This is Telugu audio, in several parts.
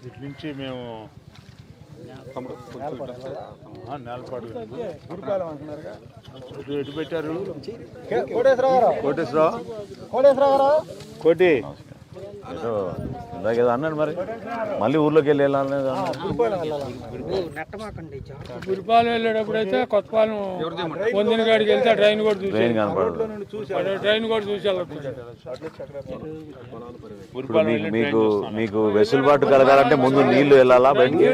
ఇటు నుంచి మేము నేలపాడు ఎటు పెట్టారు కోటేశ్వరరావు కోటి ఇందాక ఏదో అన్నాడు మరి మళ్ళీ ఊర్లోకి వెళ్ళి వెళ్ళాలి గురిపాలెం వెళ్ళేటప్పుడు అయితే కొత్తపాలెం పొందిన కాడికి వెళ్తే ట్రైన్ కూడా చూసి కనపడదు. ట్రైన్ కూడా చూసి మీకు మీకు వెసులుబాటు కలగాలంటే ముందు నీళ్లు వెళ్ళాలా బయటికి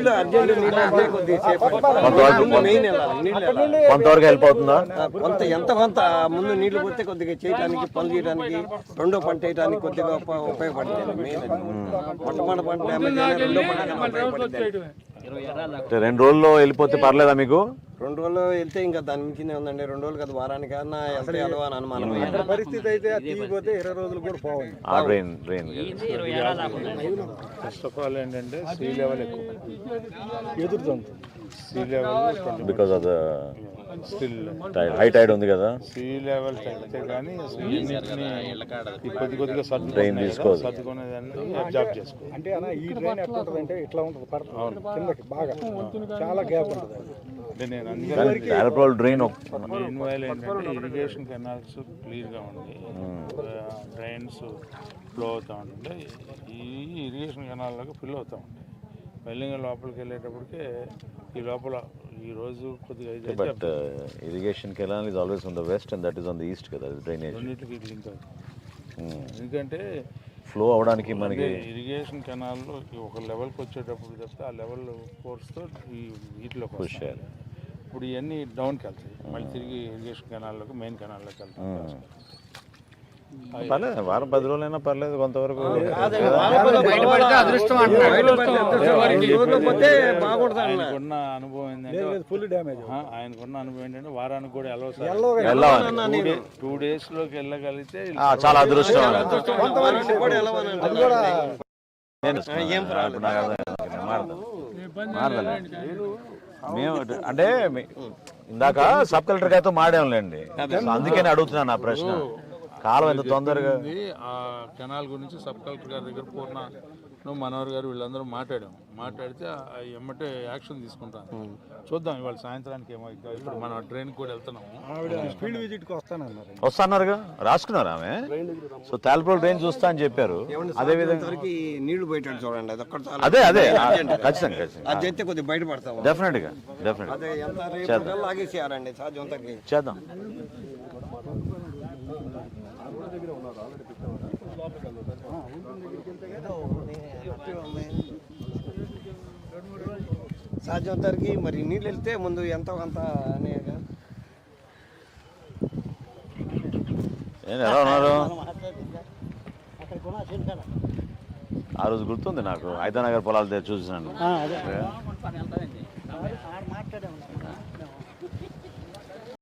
కొంతవరకు హెల్ప్ అవుతుందా? కొంత ముందు నీళ్లు పోతే కొద్దిగా చేయడానికి పనులు చేయడానికి రెండో పంట వేయడానికి కొద్దిగా ఉపయోగపడుతుంది. మొట్టమొదటి పంట రెండో పంట 2 రోజుల్లో వెళ్ళిపోతే పర్లేదా మీకు? 2 రోజులు వెళ్తే ఇంకా దాని మించినే ఉందండి. 2 రోజులు కదా వారానికన్నా వెళ్తే అలవా అని అనుమానం. పరిస్థితి అయితే తీయకపోతే 20 రోజులు కూడా పోవాలి. ట్రైన్ ఫస్ట్ ఆఫ్ ఆల్ ఏంటంటే సీ లెవెల్ ఎక్కువ ఎదురుతుంది. Sea level because of the still high tide ఉంది కదా. సీ లెవెల్ తగ్గితే కానీ కొద్దిగా ట్రైన్ తీసుకోవాలి. సర్దుకునేదాన్ని అబ్జర్వ్ చేసుకోవాలి. అంటే అన్న ఈ ట్రైన్ ఎట్లా ఉంటుంది అంటే ఇట్లా ఉంటుంది కిందకి బాగా చాలా గ్యాప్ ఉంటుంది. అంటే నేను డ్రైన్ మెయిన్వైల్ ఏంటంటే ఇరిగేషన్ కెనాల్స్ క్లియర్గా ఉండి డ్రైన్స్ ఫ్లో అవుతూ ఉంటే ఈ ఇరిగేషన్ కెనాల్లోకి ఫిల్ అవుతూ ఉంటాయి. మెల్లిగా లోపలికి వెళ్ళేటప్పటికే ఈ లోపల ఈ రోజు కొద్దిగా but irrigation canal is always on the west and that is on the east కదా డ్రైనేజ్. రెండింటికి లింక్ అవుతుంది. ఎందుకంటే ఫ్లో అవడానికి మనకి ఇరిగేషన్ కెనాల్లో ఒక లెవెల్కి వచ్చేటప్పుడు చెప్తే ఆ లెవెల్ ఫోర్స్తో ఈ వీటిలో పుష్ చేయాలి. ఇప్పుడు ఇవన్నీ డౌన్కి వెళ్తాయి, మళ్ళీ తిరిగి ఇరిగేషన్ కెనాల్లోకి మెయిన్ కెనాల్లోకి వెళ్తాయి. పర్లేదు, వారం 10 రోజులైనా పర్లేదు కొంతవరకు. ఆయనకున్న అనుభవం ఏంటంటే ఫుల్ డ్యామేజ్. ఆయనకున్న అనుభవం ఏంటంటే వారానికి కూడా 2 days లోకి వెళ్ళగలిగితే చాలా అదృష్టం. మేము అంటే ఇందాక సబ్ కలెక్టర్ గారితో మాట్లాడండి, అందుకని అడుగుతున్నాను ఆ ప్రశ్న. కాలం ఎంత తొందరగా ఆ కెనాల్ గురించి సబ్ కలెక్టర్ గారి దగ్గర పూర్ణ మనోహర్ గారు వీళ్ళందరూ మాట్లాడితే ఎమ్మటే యాక్షన్ తీసుకుంటాను. చూద్దాం ఇవాళ సాయంత్రానికి ఏమో. ఇప్పుడు మనం ట్రైన్ కూడా వెళ్తున్నాము. ఫీల్డ్ విజిట్కి వస్తాన్నారుగా, రాసుకున్నారు ఆమె. సో తాల్పూర్ ట్రైన్ చూస్తా అని చెప్పారు. అదే విధంగా నీళ్లు పోయేటట్టు చూడండి. అదే ఖచ్చితంగా అది చేస్తే కొద్దిగా బయటపడతాం. డెఫినెట్ గా లాగేసేయాలండి చేద్దాం. సాధ్యం తరికి మరి నీళ్ళు వెళ్తే ముందు ఎంతో కొంత ఎలా ఉన్నారు? ఆ రోజు గుర్తుంది నాకు, హైదరాబాద్ పొలాలు చూసినాను.